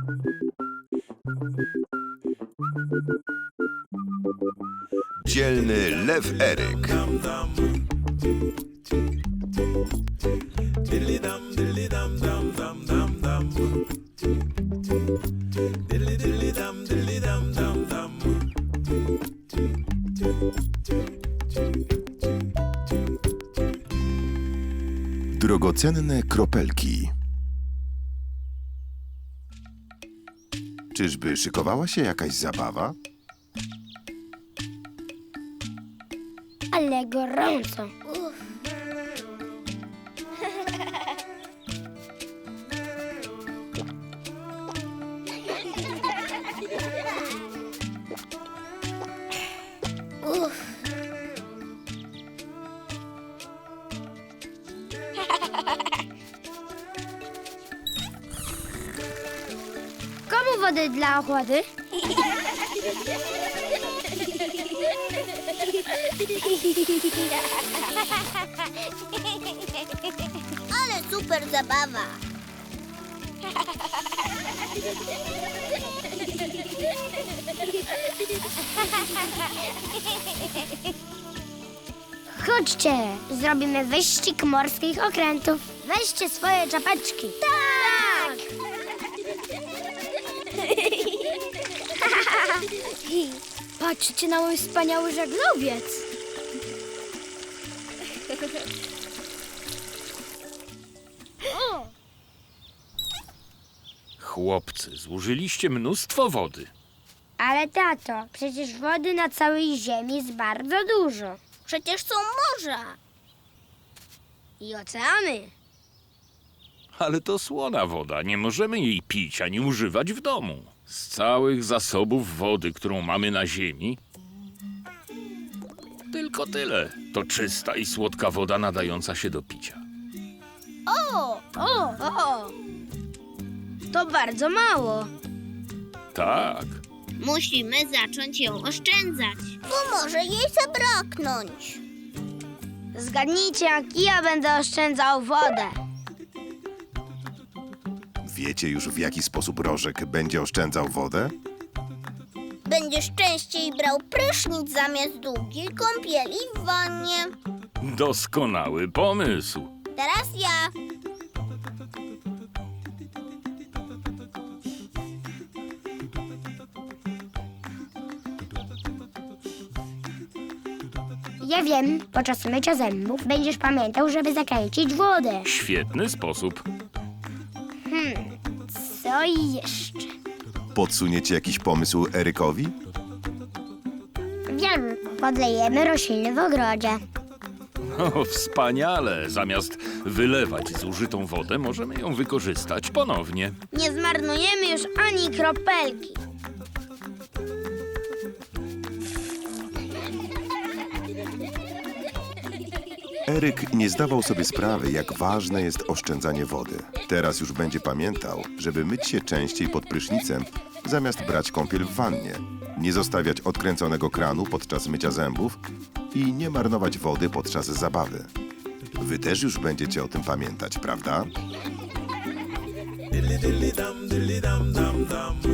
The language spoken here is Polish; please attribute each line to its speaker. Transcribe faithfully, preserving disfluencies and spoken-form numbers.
Speaker 1: Dzielny lew Eryk. Drogocenne kropelki. Czyżby szykowała się jakaś zabawa?
Speaker 2: Ale gorąco. Uff. Uff. Komu wody dla ochłody?
Speaker 3: Ale super zabawa.
Speaker 2: Chodźcie, zrobimy wyścig morskich okrętów. Weźcie swoje czapeczki. Tak! Patrzcie na mój wspaniały żaglowiec.
Speaker 4: Chłopcy, zużyliście mnóstwo wody.
Speaker 2: Ale tato, przecież wody na całej ziemi jest bardzo dużo.
Speaker 3: Przecież są morza.
Speaker 2: I oceany.
Speaker 4: Ale to słona woda, nie możemy jej pić ani używać w domu. Z całych zasobów wody, którą mamy na ziemi, tylko tyle. To czysta i słodka woda nadająca się do picia.
Speaker 3: O!
Speaker 2: O, o! To bardzo mało.
Speaker 4: Tak,
Speaker 3: Musimy zacząć ją oszczędzać. Bo może jej zabraknąć.
Speaker 2: Zgadnijcie, jak ja będę oszczędzał wodę.
Speaker 1: Wiecie już, w jaki sposób Rożek będzie oszczędzał wodę?
Speaker 3: Będziesz częściej brał prysznic zamiast długiej kąpieli w wannie.
Speaker 4: doskonały pomysł.
Speaker 3: Teraz ja.
Speaker 2: Ja wiem, podczas mycia zębów będziesz pamiętał, żeby zakręcić wodę.
Speaker 4: Świetny sposób.
Speaker 2: Co jeszcze?
Speaker 1: Podsuniecie jakiś pomysł Erykowi?
Speaker 2: Wiem, podlejemy rośliny w ogrodzie.
Speaker 4: O, wspaniale. Zamiast wylewać zużytą wodę, możemy ją wykorzystać ponownie.
Speaker 2: Nie zmarnujemy już ani kropelki.
Speaker 1: Eryk nie zdawał sobie sprawy, jak ważne jest oszczędzanie wody. Teraz już będzie pamiętał, żeby myć się częściej pod prysznicem, zamiast brać kąpiel w wannie, nie zostawiać odkręconego kranu podczas mycia zębów i nie marnować wody podczas zabawy. Wy też już będziecie o tym pamiętać, prawda?
Speaker 5: Dilly dilly dum, dilly dum dum dum.